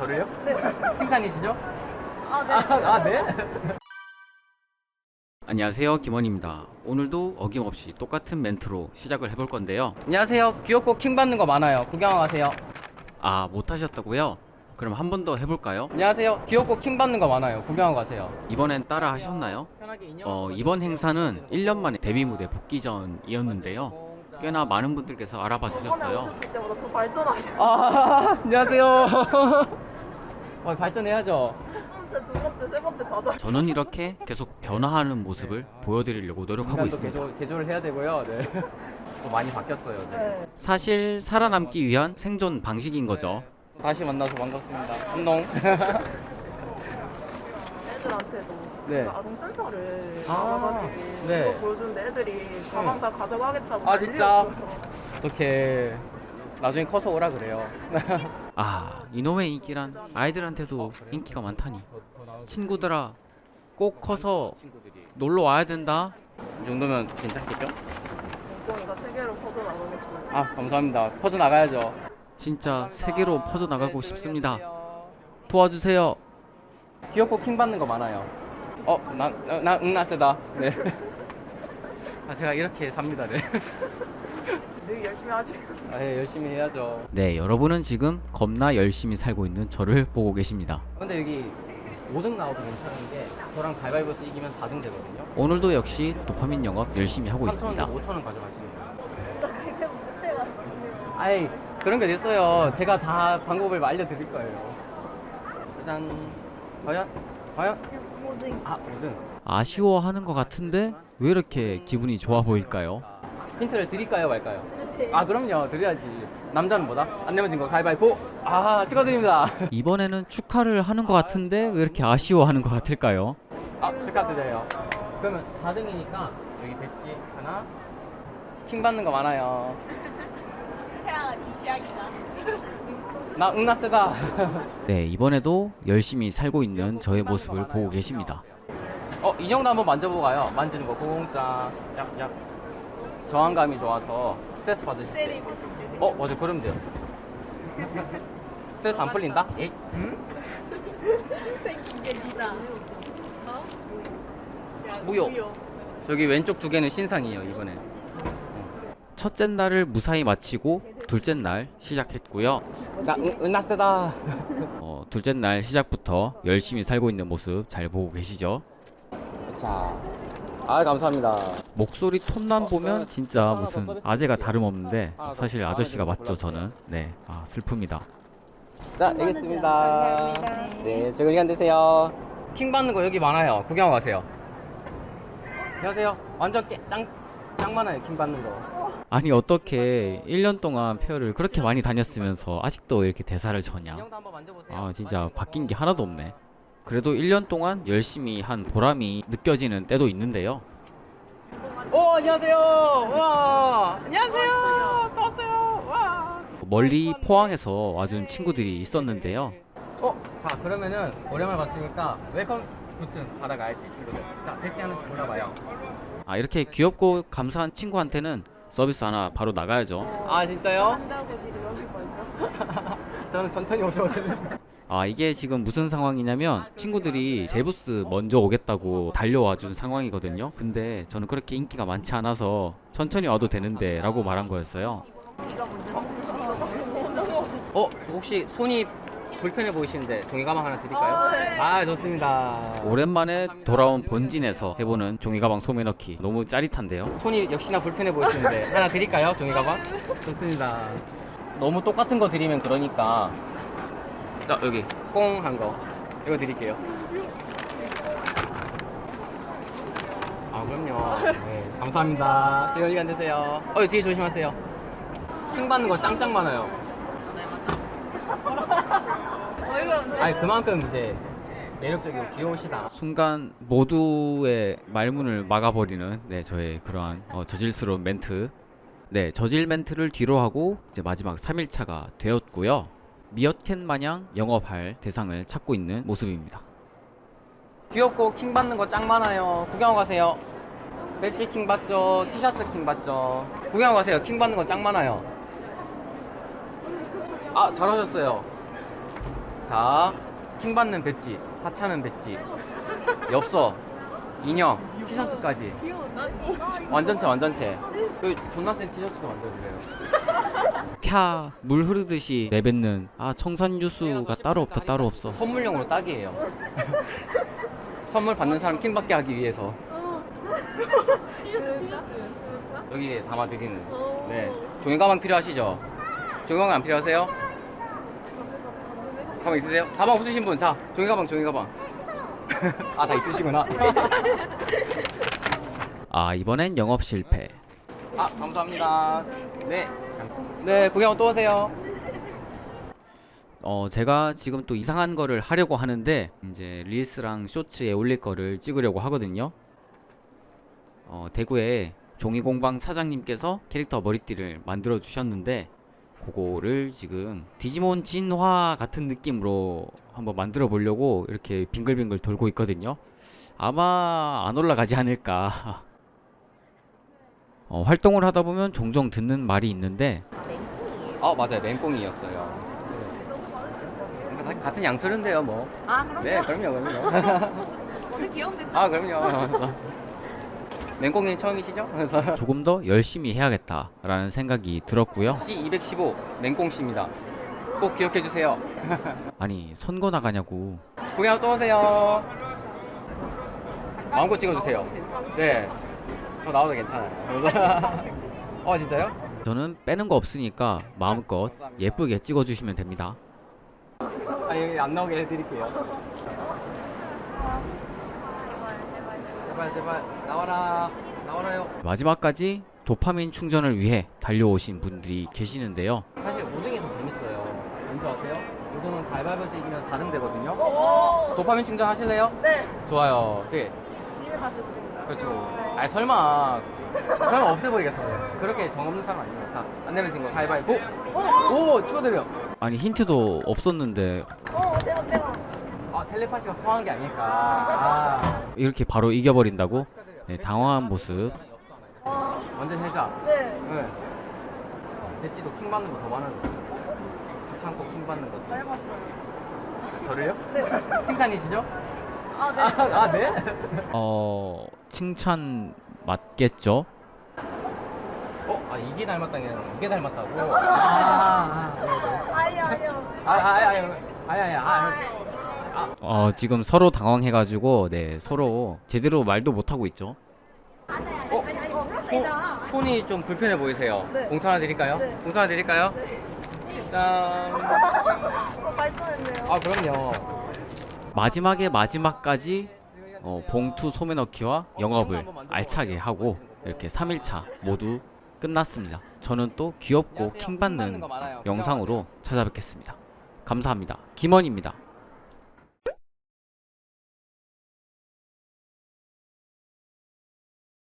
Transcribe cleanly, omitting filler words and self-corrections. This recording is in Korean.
저를요? 네. 칭찬이시죠? 아, 네. 아, 네? 안녕하세요, 김원입니다. 오늘도 어김없이 똑같은 멘트로 시작을 해볼 건데요. 안녕하세요. 귀엽고 킹 받는 거 많아요. 구경 가세요. 아, 못하셨다고요? 그럼 한 번 더 해볼까요? 안녕하세요. 귀엽고 킹 받는 거 많아요. 구경 가세요. 이번엔 따라 하셨나요? 이번 행사는 1년 만에 데뷔 무대 복귀전이었는데요. 꽤나 많은 분들께서 알아봐 저번에 주셨어요. 오셨을 때보다 더 발전하셨어요. 아, 안녕하세요. 발전해야죠. 첫 번째, 두 번째, 세 번째 다 저는 이렇게 계속 변화하는 모습을 보여드리려고 노력하고 있습니다. 개조를 해야 되고요. 네. 또 많이 바뀌었어요. 네. 네. 사실 살아남기 위한 생존 방식인 거죠. 다시 만나서 반갑습니다. 안녕. 애들한테도 네. 그 아동센터를 아, 나가가지고 네. 그거 보여주는데 애들이 가방 다 가져가겠다고 아, 진짜? 난리였어요. 어떻게 나중에 커서 오라 그래요. 아, 이놈의 인기란 아이들한테도 인기가 많다니. 친구들아, 꼭 커서 놀러 와야 된다. 이 정도면 괜찮겠죠? 몽꽁이가 세계로 퍼져나가겠어요. 아, 감사합니다. 퍼져 나가야죠. 진짜 세계로 퍼져나가고 싶습니다. 도와주세요. 귀엽고 킹 받는 거 많아요. 나 세다. 네. 아, 제가 이렇게 삽니다. 네. 늘 열심히 하죠. 아, 예, 열심히 해야죠. 네, 여러분은 지금 겁나 열심히 살고 있는 저를 보고 계십니다. 근데 여기 5등 나와도 괜찮은 게 저랑 가위바위보에서 이기면 4등 되거든요. 오늘도 역시 도파민 영업 열심히 하고 3,000원, 있습니다. 5,000원 가져가시는 거예요. 나 그게 못해가지고. 아이, 그런 게 됐어요. 제가 다 방법을 알려드릴 거예요. 짜잔. 과연? 모든 아, 5등. 아쉬워하는 것 같은데 왜 이렇게 기분이 좋아 보일까요? 힌트를 드릴까요, 말까요? 주세요. 아, 그럼요. 드려야지. 남자는 뭐다? 안 내면 진 거 가위바위보. 아, 축하드립니다. 이번에는 축하를 하는 것 같은데 왜 이렇게 아쉬워하는 것 같을까요? 아, 축하드려요. 그러면 4등이니까 여기 배지 하나. 킹 받는 거 많아요. 태양아, 네 취향이다. 나 세다. 네, 이번에도 열심히 살고 있는 저의 모습을 보고 계십니다. 인형도 한번 만져보고 가요. 만지는 거 고공짜. 약. 저항감이 좋아서 스트레스 받으실 때. 때리고 싶대. 맞아. 그러면 돼요. 스트레스 안 풀린다? 에이. 생긴 게 니다. 무효. 저기 왼쪽 두 개는 신상이에요, 이번에. 첫째 날을 무사히 마치고 둘째 날 시작했고요. 자, 나 세다. 둘째 날 시작부터 열심히 살고 있는 모습 잘 보고 계시죠? 자. 아, 감사합니다. 목소리 톤만 보면 진짜 무슨 아재가 다름없는데 사실 아저씨가 맞죠, 저는. 네, 슬픕니다. 자, 알겠습니다. 네, 즐거운 시간 되세요. 킹 받는 거 여기 많아요. 구경 가세요. 안녕하세요. 완전 짱 많아요, 킹 받는 거. 아니 어떻게 1년 동안 페어를 그렇게 많이 다녔으면서 아직도 이렇게 대사를 져냐. 인형도 한번 만져보세요. 진짜 바뀐 게 하나도 없네. 그래도 1년 동안 열심히 한 보람이 느껴지는 때도 있는데요. 안녕하세요. 와, 안녕하세요. 또 왔어요. 와. 멀리 포항에서 와준 친구들이 있었는데요. 자, 그러면은 오랜만에 봤으니까 웰컴 굿즈 받아가야지, 친구들. 자, 배지 하나씩 골라봐요. 이렇게 귀엽고 감사한 친구한테는 서비스 하나 바로 나가야죠. 아, 진짜요? 한다고 지금 여기 먼저. 저는 천천히 오셔도 되는데. 이게 지금 무슨 상황이냐면 친구들이 제 부스 먼저 오겠다고 달려와 준 상황이거든요. 근데 저는 그렇게 인기가 많지 않아서 천천히 와도 되는데 라고 말한 거였어요. 네가 먼저. 혹시 손이 불편해 보이시는데 종이 가방 하나 드릴까요? 네. 아, 좋습니다. 오랜만에 돌아온 본진에서 해보는 종이가방 소매 넣기 너무 짜릿한데요. 손이 역시나 불편해 보이시는데 하나 드릴까요? 종이 가방? 좋습니다. 너무 똑같은 거 드리면 그러니까. 자, 여기 꽁 한 거 이거 드릴게요. 아, 그럼요. 네, 감사합니다. 즐거운 시간 되세요. 뒤에 조심하세요. 킹 받는 거 짱짱 많아요. 아니, 그만큼 이제 매력적이고 귀여우시다. 순간 모두의 말문을 막아버리는 저의 그러한 저질스러운 멘트. 네, 저질 멘트를 뒤로 하고 이제 마지막 3일차가 되었고요. 미어캣 마냥 영업할 대상을 찾고 있는 모습입니다. 귀엽고 킹 받는 거 짱 많아요. 구경 가세요. 배지 킹 받죠. 티셔츠 킹 받죠. 구경 가세요. 킹 받는 거 짱 많아요. 아, 잘하셨어요. 자, 킹 받는 배지, 하찮은 배지, 엽서, 인형, 티셔츠까지. 완전체, 완전체. 여기 존나 센 티셔츠도 만들어주세요. 캬, 물 흐르듯이 내뱉는 청산유수가 따로 없다, 따로 없어. 선물용으로 딱이에요. 선물 받는 사람 킹 받게 하기 위해서. 여기에 담아드리는. 네. 종이 가방 필요하시죠? 종이 가방 안 필요하세요? 가방 있으세요? 가방 없으신 분, 자, 종이 가방, 종이 가방. 아, 다 있으시구나. 이번엔 영업 실패. 감사합니다. 네. 네, 구경 또 오세요. 제가 지금 또 이상한 거를 하려고 하는데 이제 릴스랑 쇼츠에 올릴 거를 찍으려고 하거든요. 대구에 종이공방 사장님께서 캐릭터 머리띠를 만들어 주셨는데 그거를 지금 디지몬 진화 같은 느낌으로 한번 만들어 보려고 이렇게 빙글빙글 돌고 있거든요. 아마 안 올라가지 않을까. 활동을 하다 보면 종종 듣는 말이 있는데 맞아요. 맹꽁이였어요. 같은 양소리인데요, 뭐. 그럼요. 네, 그럼요. 어떻게 귀여운데? 그럼요. 맹꽁이 처음이시죠? 그래서 조금 더 열심히 해야겠다라는 생각이 들었고요. C215 맹꽁씨입니다. 꼭 기억해 주세요. 아니 선거 나가냐고. 구경 또 오세요. 마음껏 찍어주세요. 네, 저 나와도 괜찮아요. 진짜요? 저는 빼는 거 없으니까 마음껏 예쁘게 찍어주시면 됩니다. 여기 안 나오게 해드릴게요. 제발 나와라요. 마지막까지 도파민 충전을 위해 달려오신 분들이 계시는데요. 사실 5등이 더 재밌어요. 왠지 아세요? 5등은 가위바위보에서 이기면 4등 되거든요. 도파민 충전 하실래요? 네. 좋아요. 네. 집에 다시 오겠습니다. 그렇죠. 설마 없애버리겠어요. 그렇게 정 없는 사람 아니에요. 자, 안 내면 진거 가위바위보. 오, 축하드려요. 아니 힌트도 없었는데 대박. 텔레파시가 통한 게 아닐까. 이렇게 바로 이겨버린다고? 네, 당황한 모습. 완전 해자. 네. 배지도 킹 받는 거 더 많아졌어요. 귀찮고 킹 받는 거. 해봤어요. 저를요? 네. 칭찬이시죠? 네. 네? 칭찬 맞겠죠? 이게 닮았다는 게 아니라 이게 닮았다고? 아니요. 지금 서로 당황해가지고 네 서로 제대로 말도 못하고 있죠. 손이 좀 불편해 보이세요. 네. 봉투 하나 드릴까요? 네. 봉투 하나 드릴까요? 짠. 발전했네요. 그럼요. 마지막까지 봉투 소매 넣기와 영업을 알차게 하고 이렇게 3일차 모두 끝났습니다. 저는 또 귀엽고 킹받는 영상으로 찾아뵙겠습니다. 감사합니다. 김원입니다.